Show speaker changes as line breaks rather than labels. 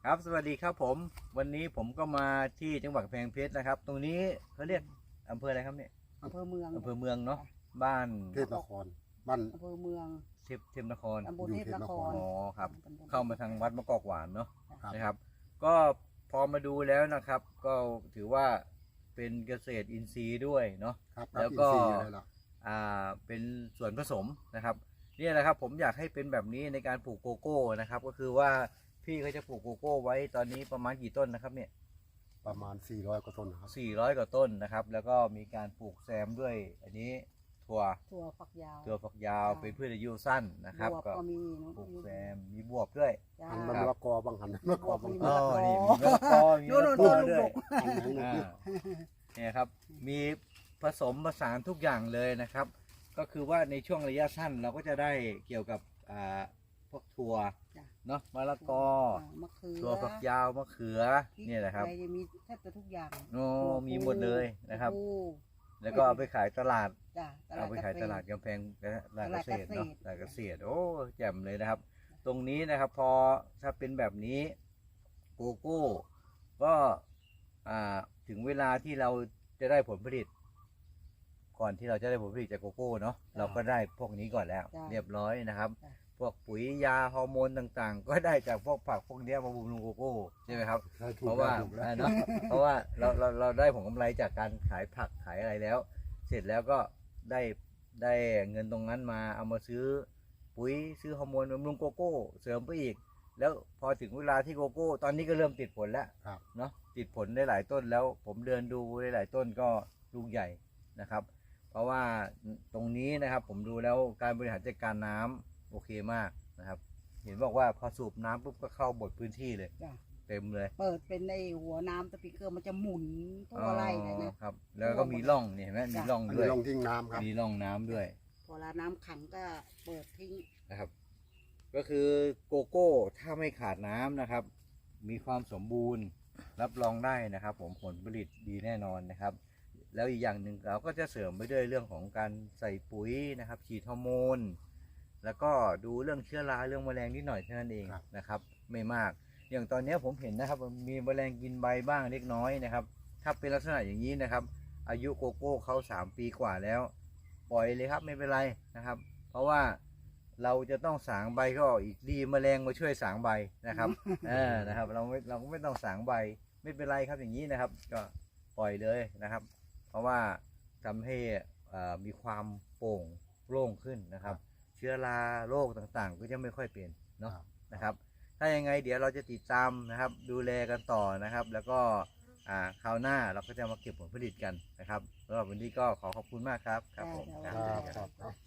ครับสวัสดีครับผมวันนี้ผมก็มาที่จังหวัดกำแพงเพชรนะครับตรงนี้เขาเรียกอำเภออะไรครับเนี่ย
อำเภอเมือง
อำเภอเมืองเนาะบ้าน
เทพนครบ้าน
อำเภอเมือง
เทพนคร
ตำบลเทพนคร
อ๋อครับเข้ามาทางวัดมะกอกหวานเนาะ
ครับ
นะครับ ก็พอมาดูแล้วนะครับ ก็ถือว่าเป็นเกษตรอินทรีย์ด้วยเนาะ
ครับ
แล้วก็
อินทรีย์อยู่เลยล่ะ
เป็นส่วนผสมนะครับเนี่ยแหละครับผมอยากให้เป็นแบบนี้ในการปลูกโกโก้นะครับก็คือว่าพี่เขาจะปลูกโกโก้ไว้ตอนนี้ประมาณกี่ต้นนะครับเนี่ย
ประมาณ400กว่าต้นนะครับ
400 กว่าต้นนะครับแล้วก็มีการปลูกแซมด้วยอันนี้ถั่ว
ถั่วฝักยาว
ฝักยาวเป็นพืชอายุสั้นนะครับ
บวบก็มีเนอะ
ปลูกแซมมีบวบด้วย
จ้า
หันมะละกอบางหันมะละกอบาง
มี
หั
อ๋
น
อ
มะละกอ
นี่มีมะละกอมีมะละกอด้วย
อันไหนเนี่ย
เนี่ยครับมีผสมผสานทุกอย่างเลยนะครับ ก็คือว่าในช่วงระยะสั้นเราก็จะได้เกี่ยวกับพวกถั่ว
จ้ะ
เนาะมะละกอ
มะเขือ
ถั่วฝักยาวมะเขือ
พริก
เนี่ยแหละครับ
อไมีแทบจะทุกอย่าง
โอ้มีหมดเลยนะครับ
ปู
แล้วก็เอาไปขายตลาด
จ้ะ
เอาไปขายตลาดกำแพงตลาดเกษตรเนาะตลาดเกษตรโอ้แจ่มเลยนะครับ ตรงนี้นะครับพอถ้าเป็นแบบนี้โกโก้ก็ถึงเวลาที่เราจะได้ผลผลิต ก่อนที่เราจะได้ผลผลิตจากโกโก้เนาะเราก็ได้พวกนี้ก่อนแล้ว เรียบร้อยนะครับ พวกปุ๋ยยาฮอร์โมนต่างๆ ก็ได้จากพวกผักพวกนี้มาบำรุงโกโก้ใช่ไหมครับ
ใช่ถู
เพ
ก
ราะ
แล้ว
ว่า
ถูกแล้ว
เนาะเพราะว่าเราได้ผลกำไรจากการขายผักขายอะไรแล้ว เสร็จแล้วก็ได้เงินตรงนั้นมาเอามาซื้อปุ๋ยซื้อฮอร์โมนบำรุงโกโก้เสริมไปอีก แล้วพอถึงเวลาที่โกโก้ตอนนี้ก็เริ่มติดผลแล้ว
ครับ
เนาะติดผลได้หลายต้นแล้วผมเดินดูได้หลายต้นก็ลูกใหญ่นะครับ เพราะว่าตรงนี้นะครับผมดูแล้วการบริหารจัดการน้ำโอเคมากนะครับ เห็นบอกว่าพอสูบน้ำปุ๊บก็เข้าหมดพื้นที่เลย
จ้ะ
เต็มเลย
เปิดเป็นในหัวน้ำสปริงเกอร์มันจะหมุนทั่วไร่เลยนะครับ
แล้วก็มีร่องนี่เห็นไหมมีร่อง
อัน
ด้ว
นี้
ย
ลงทิ้งน้ำครับ
มีร่องน้ำด้วย
พอเวลาน้ำขังก็เปิดทิ้ง
นะครับ ก็คือโกโก้ถ้าไม่ขาดน้ำนะครับ มีความสมบูรณ์รับรองได้นะครับ ผมผลผลิตดีแน่นอนนะครับ แล้วอีกอย่างหนึ่งเราก็จะเสริมไปด้วยเรื่องของการใส่ปุ๋ยนะครับฉีดฮอร์โมนแล้วก็ดูเรื่องเชื้อราเรื่องแมลงนิดหน่อยเท่านั้นเองนะครับ ไม่มาก อย่างตอนนี้ผมเห็นนะครับมีแมลงกินใบบ้างเล็กน้อยนะครับ ถ้าเป็นลักษณะอย่างนี้นะครับ อายุโกโก้เขา3 ปีกว่าแล้ว ปล่อยเลยครับไม่เป็นไรนะครับ เพราะว่าเราจะต้องสางใบก็ออกอีกดีแมลงมาช่วยสางใบนะครับ นะครับเราก็ไม่ต้องสางใบไม่เป็นไรครับอย่างนี้นะครับ ก็ปล่อยเลยนะครับ เพราะว่าทำให้มีความโปร่งโล่งขึ้นนะครับ เชื้อราโรคต่างๆ ก็จะไม่ค่อยเป็นเนาะนะครับ ถ้ายังไงเดี๋ยวเราจะติดตามนะครับ ดูแลกันต่อนะครับ แล้วก็คราวหน้าเราก็จะมาเก็บผลผลิตกันนะครับสำหรับวันนี้ก็ขอขอบคุณมากครับครับผม
ได้
ครับครับ